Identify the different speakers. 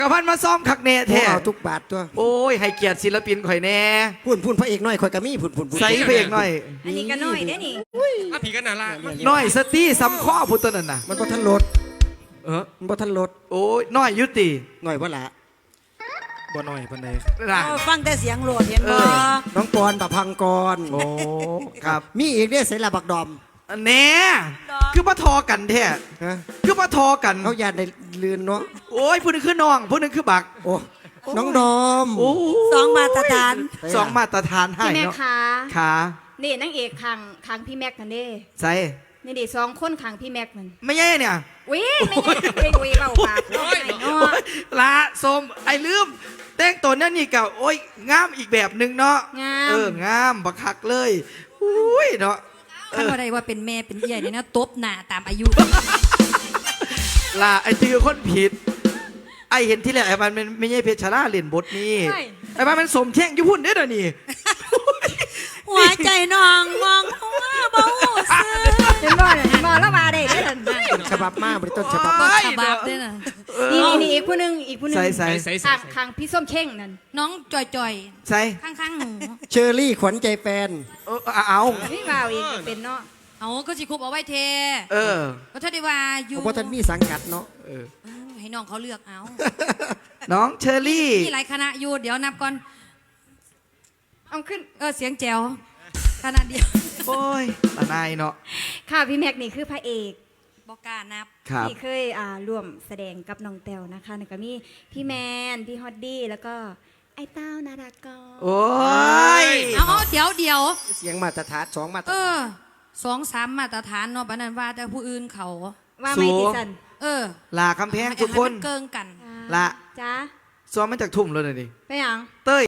Speaker 1: กระพันมาซ้อมคักแน่แท้
Speaker 2: เอาทุกบาทตัว
Speaker 1: โอ้ยให้เกียรติศิลปินข่อยแน่
Speaker 2: พุ่นพระเอกน้อยข่อยกะมีพุ่น
Speaker 1: ใส่เพลงหน่อย
Speaker 3: อันนี้ก็น้อยได้นี่
Speaker 4: อ่ะผีกันน่ารัก
Speaker 1: น้อยสตี้ซ้ำข้อพุทธนั่นน่ะ
Speaker 2: มันบ่ทันรถ มันบ่ทันรถ
Speaker 1: โอ้ยน้อยยุติ
Speaker 2: หน่อยบ่ละ
Speaker 4: บ่หน่อยปานใด
Speaker 1: นะ
Speaker 3: ฟังแต่เสียงโหลดเห็นบ่
Speaker 2: น้องปอนประพังกร
Speaker 1: โอ้ครับ
Speaker 2: มีอีกเด้อเสละบักดอม
Speaker 1: แน่คือมาทอกันแท้
Speaker 2: ฮะ
Speaker 1: คือมาทอกัน
Speaker 2: เขาญาติได้ลืนเนาะ
Speaker 1: โอ้ยผู้หนึงคือน้องผู้หนึงคือบัก
Speaker 2: โอ้น้องดอม
Speaker 1: โอ้
Speaker 3: สองมาตรฐาน
Speaker 1: สองมาตรฐานให้
Speaker 5: พี่แม็ก
Speaker 1: เนาะ
Speaker 5: คะ
Speaker 1: ขา
Speaker 5: นี่นางเอกขังพี่แม็กกันเด้
Speaker 1: ใส่
Speaker 5: นี่ดิ2 คนขังพี่แม็กมัน
Speaker 1: ไม่ใช่เนี่ย
Speaker 5: วิไม่ใช่ไม่เบาปากเนาะไอ้เนาะ
Speaker 1: ละสมไอ้ลืมแต่งตัวนั่นนี่กับโอ้ยงามอีกแบบหนึ่งเนาะ
Speaker 5: งาม
Speaker 1: งามบักคักเลยอุ้ยเนาะ
Speaker 6: ข้าอะไรว่าเป็นแม่เป็นเอี่ยเนี่ยนะตบหน้าตามอายุ
Speaker 1: ล่ะไอ้ตือคนผิด ไอ้เห็นที่แรกไอ้มันไม่ใช่เพชรชราเล่นบทนี้ไอ้มันสมแช่งยุพุ่นเด้อเดี๋ยวนี่
Speaker 3: หัวใจน้องมองหัวเบาซื่อ
Speaker 5: เห็นบ่แล้วมาได้เด้อ
Speaker 2: ต้นฉบับมาบริต้นฉบับ
Speaker 6: ต้
Speaker 2: มาน
Speaker 6: ฉบับด้วยนะ
Speaker 5: นี่อีกผู้หนึง
Speaker 1: ใส่
Speaker 5: อีกผู้หนึง
Speaker 1: ใส่
Speaker 4: ใส่
Speaker 5: ขังพี่ส้มเข่งนั่น
Speaker 6: น้องจ่อย
Speaker 1: ใส่
Speaker 6: ๆ ข้างๆหนู
Speaker 2: เชอรี่ขวัญใจแฟน
Speaker 1: เอา
Speaker 5: พี่บ่าวอีกเป็นเนาะ
Speaker 6: เอาก็สิคุบเอาไว้เท
Speaker 1: เออ
Speaker 6: ก็ถ้าได้ว่าอยู่
Speaker 2: เพราะท่านมีสังกัดเนาะ
Speaker 6: ให้น้องเขาเลือกเอา
Speaker 1: น้องเชอรี่
Speaker 6: มีหลายคณะอยู่เดี๋ยวนับก่อน
Speaker 5: เอาขึ้น
Speaker 6: เสียงแจ๋วคณะเดียว
Speaker 1: โอ้ยตาหนายเนาะ
Speaker 5: ค่ะพี่แม็กนี่คือพระเอก
Speaker 6: บอกกล้านับ
Speaker 1: ครับ
Speaker 5: ที่เคยร่วมแสดงกับน้องแต้วนะคะแล้วก็มีพี่แมนพี่ฮอดดี้แล้วก็ไอ้เต้านาดากร
Speaker 1: โอ้ย
Speaker 6: เอาเดี๋ยว
Speaker 2: เสียงมาตรฐาน2มาตรฐาน
Speaker 6: 2-3มาตรฐานเนาะปานนั้นว่าแต่ผู้อื่นเขา
Speaker 5: ว่าไม่ติสัน
Speaker 1: ลาคำแพงทุกคน
Speaker 6: ให้มัเกิงกัน
Speaker 1: ละ
Speaker 5: จ้า
Speaker 1: ซ้อมมาจากทุ่มเลยนี่
Speaker 5: ไปหยัง
Speaker 1: เต้ย